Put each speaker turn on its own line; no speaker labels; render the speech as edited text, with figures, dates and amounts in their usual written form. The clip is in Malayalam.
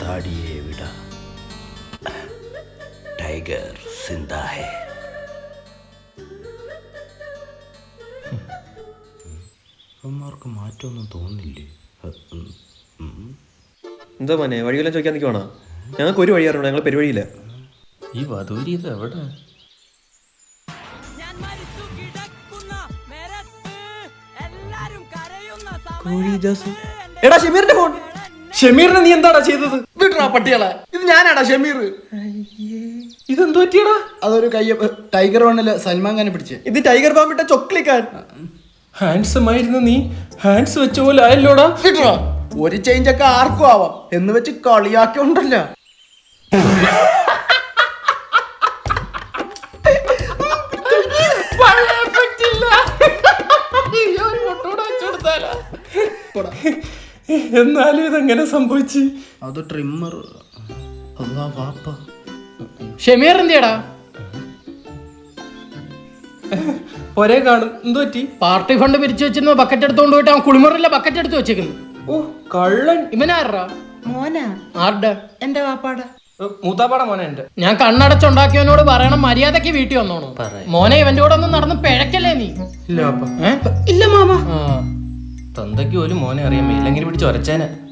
താടിയെ വിട, ടൈഗർ സിന്ദാ ഹേ. അവന്മാർക്ക് മാറ്റമൊന്നും തോന്നില്ലേ?
എന്താ മോനെ വഴിയെല്ലാം ചോദിക്കാൻ നിൽക്കുവാണോ? ഞങ്ങൾക്ക് ഒരു വഴി അറിയണം, ഞങ്ങൾ പെരുവഴിയില്ല.
ഈ വധൂരി ഇത് എവിടെ?
എടാ ഷമീറിന്റെ ഫോൺ.
ഷമീറിനെ നീ എന്താടാ ചെയ്തത്? വിടറാ പട്ടികളെ, ഇത് ഞാനാടാ ഷമീർ. ഇതെന്തു പറ്റിയടാ?
അതൊരു ടൈഗർ വണ്ണില് സൽമാൻ ഖാനെ പിടിച്ച്.
ഇത് ടൈഗർ ബാമിട്ട ചൊക്ലിക്കാൻ.
ഹാൻഡ്സം ആയിരുന്നു നീ, ഹാൻഡ്സ് വെച്ച പോലെ ആയല്ലോടാ.
വിടറാ, ഒരു ചേഞ്ച് ഒക്കെ ആർക്കും ആവാം എന്ന് വെച്ച് കളിയാക്കിയുണ്ടല്ലോ.
എന്നാലും ഇതെങ്ങനെ സംഭവിച്ചു?
അത് ട്രിമ്മർ.
ഷമീർ എന്തിയടാ?
ഒരേ കാണും. എന്തു പറ്റി?
പാർട്ടി ഫണ്ട് പിരിച്ചു വെച്ചിരുന്ന ബക്കറ്റ് എടുത്തോണ്ട് പോയിട്ട് അവൻ കുളിമുറിലെ ബക്കറ്റ് എടുത്ത് വെച്ചേക്കുന്നു.
ഓ കള്ളൻ.
ഇവനാറാ?
മോനാ?
ആരുടെ?
എന്റെ വാപ്പാടെ.
മൂത്താപ്പാട മോനെ എന്റെ.
ഞാൻ കണ്ണടച്ചുണ്ടാക്കിയവനോട് പറയണം മര്യാദക്ക് വീട്ടിൽ വന്നോണു. മോനെ ഇവന്റെ കൂടെ ഒന്നും നടന്ന് പിഴക്കല്ലേ നീ?
ഇല്ല
ഇല്ല മാമ.
ആ
തന്തയ്ക്ക് പോലും മോനെ അറിയാൻ മേലെങ്കിലും പിടിച്ച് ഒരച്ചേനെ.